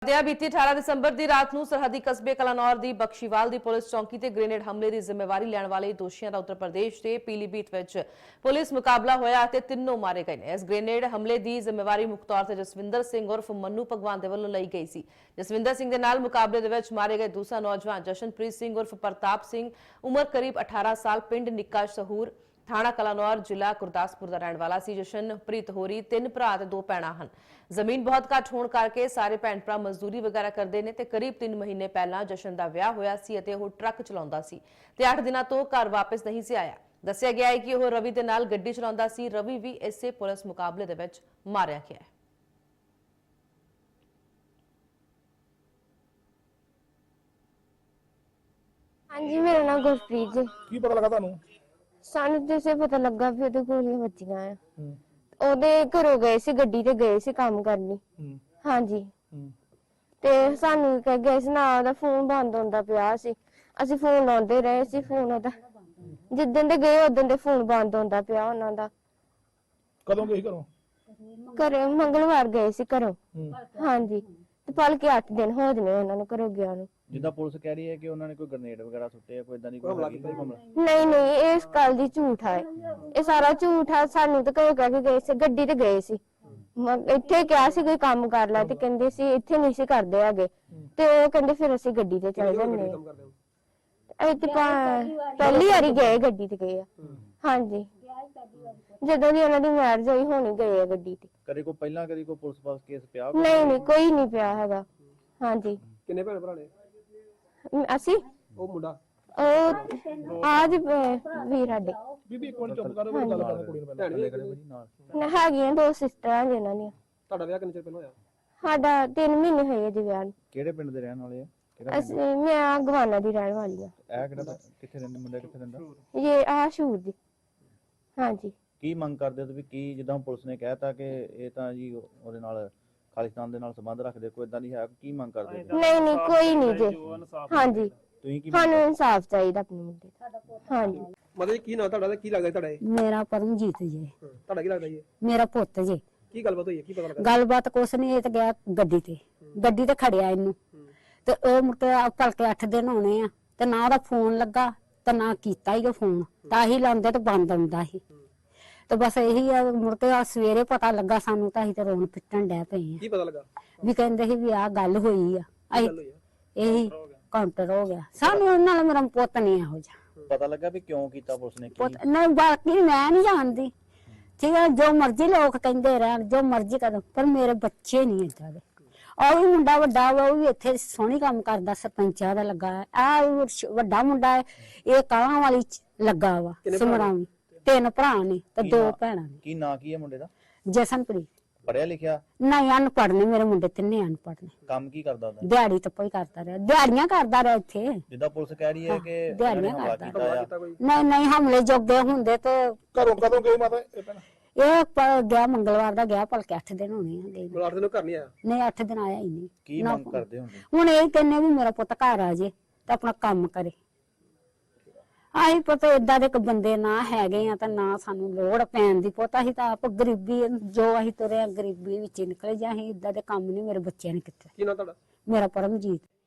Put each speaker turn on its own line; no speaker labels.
बीती 18 दिसंबर की रात को सरहदी कस्बे कलानौर की बख्शीवाल की पुलिस चौकी से ग्रेनेड हमले की जिम्मेवारी लैण वाले दोषियों का उत्तर प्रदेश के पीलीभीत में पुलिस मुकाबला होया ते तीनों मारे गए हैं। इस ग्रेनेड हमले की जिम्मेवारी मुख्य तौर पर जसविंदर सिंह उर्फ मन्नू भगवान के वालों ली गई सी। जसविंदर सिंह के नाल मुकाबले में मारे गए दूसरा नौजवान जशनप्रीत सिंह उर्फ प्रताप सिंह उम्र करीब 18 साल पिंड निक्का सहूर थाना कलानौर जिला गुरदासपुर का रहने वाला सी। जशनप्रीत होरी 3 भरा ते 2 भैणां हन। जमीन बहुत घट होने करके सारे भैण भरा मजदूरी वगैरह करते हैं। करीब 3 महीने पहला जशन का विआह होया सी अते ओह ट्रक चलाउंदा सी ते 8 दिनों तो घर वापस नहीं से आया। दस्सिया गया है कि वह रवि के नाल गड्डी चलाउंदा सी। रवि भी इसे पुलिस मुकाबले दे विच मारिया गया है।
हाँ जी, मेरा नाम गुरप्रीत जी।
की पता लगा थानू?
सानू तो इसे पता लगा भी ओदे गोलियां बच्चियां आ। ओदे घरों गए सी, गड्डी ते गए सी काम करनी। हाँ जी। ते सानू कह गए सी ना ओदा फोन बंद होंदा पिया सी। ਅਸੀਂ फोन लाਉਂਦੇ ਰਹੇ ਸੀ। फोन ओदा जिद्दन दे गए उदन दे फोन बंद होंदा पिया ਉਹਨਾਂ ਦਾ।
ਕਦੋਂ ਗਏ ਘਰੋਂ?
ਘਰੇ ਮੰਗਲਵਾਰ ਗਏ ਸੀ ਘਰੋਂ। हाँ जी, ਤੇ ਭਲਕੇ 8 ਦਿਨ ਹੋ ਜਨੇ ਉਹਨਾਂ ਨੂੰ ਘਰੋਂ ਗਿਆ ਨੂੰ।
ਜਿੱਦਾਂ ਪੁਲਿਸ ਕਹਿ ਰਹੀ ਹੈ ਕਿ ਉਹਨਾਂ ਨੇ ਕੋਈ ਗ੍ਰੇਨੇਡ ਵਗੈਰਾ ਸੁੱਟੇ ਆ, ਕੋਈ ਇਦਾਂ ਦੀ ਕੋਈ ਮਾਮਲਾ?
ਨਹੀਂ ਨਹੀਂ, ਇਹ ਇਸ ਗੱਲ ਦੀ ਝੂਠ ਹੈ। ਇਹ ਸਾਰਾ ਝੂਠ ਹੈ। ਸਾਨੂੰ ਤਾਂ ਘਰੋਂ ਕਹਿ ਕੇ ਗਏ ਸੀ, ਗੱਡੀ ਤੇ ਗਏ ਸੀ। ਇੱਥੇ ਕਿਹਾ ਸੀ ਕੋਈ ਕੰਮ ਕਰ ਲੈ ਤੇ ਕਹਿੰਦੇ ਸੀ ਇੱਥੇ ਨਹੀਂ ਸੀ ਕਰਦੇ ਹੈਗੇ ਤੇ ਉਹ ਕਹਿੰਦੇ ਫਿਰ ਅਸੀਂ ਗੱਡੀ ਤੇ ਚਲੇ ਜਾਂਦੇ ਆ। ਇੱਥੇ ਪਹਿਲੀ ਵਾਰੀ ਗਏ ਗੱਡੀ ਤੇ ਗਏ ਆ। ਹਾਂਜੀ, ਜਦੋਂ ਦੀ ਉਹਨਾਂ ਦੀ ਮੈਰਿਜ ਹੋਈ ਹੋਣੀ ਗਏ ਆ ਗੱਡੀ ਤੇ।
ਕਦੇ ਕੋਈ ਪਹਿਲਾਂ ਕਦੀ ਕੋਈ ਪੁਲਿਸ ਪਾਸ ਕੇਸ ਪਿਆ?
ਨਹੀਂ ਨਹੀਂ, ਕੋਈ ਨਹੀਂ ਪਿਆ ਹੈਗਾ। ਹਾਂਜੀ।
ਕਿੰਨੇ ਭੈਣ ਭਰਾ ਨੇ?
ਅਸੀਂ
ਉਹ ਮੁੰਡਾ
ਉਹ ਆਜ ਵੀਰ ਸਾਡੇ
ਬੀਬੀ ਇੱਕ ਮਿੰਟ ਚੁੱਪ ਕਰੋ, ਗੱਲ ਕਰਨਾ ਕੁੜੀ ਨੂੰ ਪਹਿਲਾਂ।
ਹੈਗੀਆਂ 2 ਸਿਸਟਰਾਂ ਜਿਨ੍ਹਾਂ ਦੀਆਂ।
ਤੁਹਾਡਾ ਵਿਆਹ ਕਿੰਨੇ ਚਿਰ ਪਹਿਲਾਂ ਹੋਇਆ?
ਸਾਡਾ 3 ਮਹੀਨੇ ਹੋਏ ਜੀ ਵਿਆਹ ਨੂੰ।
ਕਿਹੜੇ ਪਿੰਡ ਦੇ ਰਹਿਣ ਵਾਲੇ ਆ?
ਅਸੀਂ ਮੈਂ ਗਵਾਨਾ ਦੀ ਰਹਿਣ ਵਾਲੀ ਆ।
ਇਹ ਕਿਹੜਾ ਕਿੱਥੇ ਰਹਿੰਦੇ ਮੁੰਡਾ, ਕਿੱਥੇ ਰਹਿੰਦਾ?
ਇਹ ਆਸ਼ੂਰ ਦੀ। ਹਾਂਜੀ।
ਕੀ ਮੰਗ ਕਰਦੇ ਹੋ ਤੁਸੀਂ? ਕੀ ਜਿੱਦਾਂ ਪੁਲਿਸ ਨੇ ਕਹਿਤਾ ਕਿ ਇਹ ਤਾਂ ਜੀ ਉਹਦੇ ਨਾਲ ਖਾਲਿਸਤਾਨ ਦੇ ਨਾਲ ਸੰਬੰਧ ਰੱਖਦੇ, ਕੋਈ ਇਦਾਂ ਨਹੀਂ ਹੈ? ਕੀ ਮੰਗ ਕਰਦੇ ਹੋ?
ਨਹੀਂ ਨਹੀਂ, ਕੋਈ ਨਹੀਂ ਜੀ। ਹਾਂਜੀ,
ਤੁਸੀਂ ਕੀ
ਸਾਨੂੰ ਇਨਸਾਫ ਚਾਹੀਦਾ ਆਪਣੇ ਮੁੰਡੇ ਦਾ। ਹਾਂਜੀ।
ਮਤਲਬ ਕੀ ਨਾਂ ਤੁਹਾਡਾ ਤੇ ਕੀ ਲੱਗਦਾ ਤੁਹਾਡਾ? ਇਹ
ਮੇਰਾ ਪਰਮਜੀਤ ਜੀ।
ਤੁਹਾਡਾ ਕੀ ਲੱਗਦਾ ਜੀ?
ਮੇਰਾ ਪੁੱਤ ਜੀ।
ਕੀ ਗੱਲਬਾਤ ਹੋਈ ਹੈ? ਕੀ ਪਤਾ ਲੱਗਾ?
ਗੱਲਬਾਤ ਕੁਛ ਨਹੀਂ, ਇਹ ਤਾਂ ਗਿਆ ਗੱਡੀ ਤੇ ਖੜਿਆ ਇਹਨੂੰ ਤੇ ਉਹ ਮੁੜ ਕੇ ਭਲਕੇ 8 ਦਿਨ ਹੋਣੇ ਆ ਤੇ ਨਾ ਉਹਦਾ ਫੋਨ ਲੱਗਾ ਤੇ ਨਾ ਕੀਤਾ ਹੀ ਉਹ ਫੋਨ। ਤਾਂ ਹੀ ਲਾਉਂਦੇ ਤੇ ਬੰਦ ਆਉਂਦਾ ਸੀ ਤੇ ਬਸ ਇਹੀ ਆ। ਮੁੜ ਕੇ ਸਵੇਰੇ ਪਤਾ ਲੱਗਾ ਸਾਨੂੰ ਤਾਂ ਅਸੀਂ ਤੇ ਰੋਣ ਪਿੱਟਣ ਡੈ ਪਏ ਆ।
ਕੀ ਪਤਾ ਲੱਗਾ?
ਵੀ ਕਹਿੰਦੇ ਸੀ ਵੀ ਆਹ ਗੱਲ ਹੋਈ ਆ। ਇਹੀ ਕਾਊਂਟਰ ਹੋ ਗਿਆ। ਸਾਨੂੰ ਨਾਲ ਮੇਰਾ ਪੁੱਤ ਨਹੀਂ ਇਹੋ ਜਿਹਾ
ਪਤਾ ਲੱਗਾ ਵੀ ਕਿਉਂ ਕੀਤਾ ਪੁਲਿਸ ਨੇ?
ਪੁੱਤ ਨਹੀਂ, ਬਾਕੀ ਮੈਂ ਨਹੀਂ ਜਾਣਦੀ। ਠੀਕ ਹੈ, ਜੋ ਮਰਜ਼ੀ ਲੋਕ ਕਹਿੰਦੇ ਰਹਿਣ, ਜੋ ਮਰਜ਼ੀ ਕਰਨ, ਪਰ ਮੇਰੇ ਬੱਚੇ ਨਹੀਂ ਏਦਾਂ ਦੇ। ਉਹ ਵੀ ਮੁੰਡਾ ਵੱਡਾ ਵਾ, ਉਹ ਵੀ ਇੱਥੇ ਸੋਹਣੀ ਕੰਮ ਕਰਦਾ, ਸਰਪੰਚਾਂ ਦਾ ਲੱਗਾ। ਆ ਵੱਡਾ ਮੁੰਡਾ ਹੈ, ਇਹ ਕਾਲਾਂ ਵਾਲੀ ਲੱਗਾ ਵਾ ਸਮਰਾਵੀ। 3 ਭਰਾ ਨੇ ਤੇ 2 ਭੈਣਾਂ ਨੇ।
ਕੀ ਨਾਂ ਕੀ ਹੈ ਮੁੰਡੇ ਦਾ?
ਜਸਨਪ੍ਰੀਤ।
ਪੜਿਆ ਲਿਖਿਆ?
ਨਹੀਂ, ਅਨਪੜ੍ਹ ਨੇ ਮੇਰੇ ਮੁੰਡੇ, 3 ਅਨਪੜ੍ਹ ਨੇ।
ਕੰਮ ਕੀ ਕਰਦਾ ਉਹਦਾ?
ਦਿਹਾੜੀ ਤੱਪਾ ਹੀ ਕਰਦਾ ਰਿਹਾ, ਦਿਹਾੜੀਆਂ ਕਰਦਾ ਰਿਹਾ ਇੱਥੇ।
ਜਿੱਦਾਂ ਪੁਲਿਸ ਕਹਿ ਰਹੀ ਹੈ ਕਿ
ਦਿਹਾੜੀਆਂ
ਹਮਲਾ
ਕਰਦਾ।
ਕੀਤਾ ਆ।
ਨਹੀਂ ਨਹੀਂ, ਹਮਲੇ ਜੋਗੇ ਹੁੰਦੇ ਤੇ
ਘਰੋਂ ਕਦੋਂ ਗਏ ਮਾਤਾ ਇਹ ਭੈਣ?
ਇਹ ਗਿਆ ਮੰਗਲਵਾਰ ਦਾ ਗਿਆ, ਭਲਕੇ 8 ਦਿਨ ਹੋਣੇ ਆ ਗਏ।
ਮਲਾਟ ਦੇ ਨੂੰ ਘਰ ਨਹੀਂ ਆਇਆ?
ਨਹੀਂ, 8 ਦਿਨ ਆਇਆ ਹੀ ਨਹੀਂ।
ਕੀ ਮੰਗ ਕਰਦੇ ਹੁੰਦੇ?
ਹੁਣ ਇਹ ਕਹਿੰਨੇ ਵੀ ਮੇਰਾ ਪੁੱਤ ਘਰ ਆ ਜੇ ਤੇ ਆਪਣਾ ਕੰਮ ਕਰੇ। ਆਹੀ ਪਤਾ ਏਦਾਂ ਦੇ ਬੰਦੇ ਨਾ ਹੈਗੇ ਆ ਤਾਂ ਨਾ ਸਾਨੂੰ ਲੋੜ ਪੈਣ ਦੀ। ਪੁੱਤ ਅਸੀਂ ਤਾਂ ਆਪ ਗਰੀਬੀ, ਜੋ ਅਸੀਂ ਤੁਰੇ ਗਰੀਬੀ ਵਿੱਚ ਨਿਕਲੇ ਜਾਂ ਅਸੀਂ ਏਦਾਂ ਦੇ ਕੰਮ ਨਹੀਂ ਮੇਰੇ ਬੱਚਿਆਂ ਨੇ ਕੀਤੇ।
ਕੀ ਨਾਂ ਤੁਹਾਡਾ?
ਮੇਰਾ ਪਰਮਜੀਤ।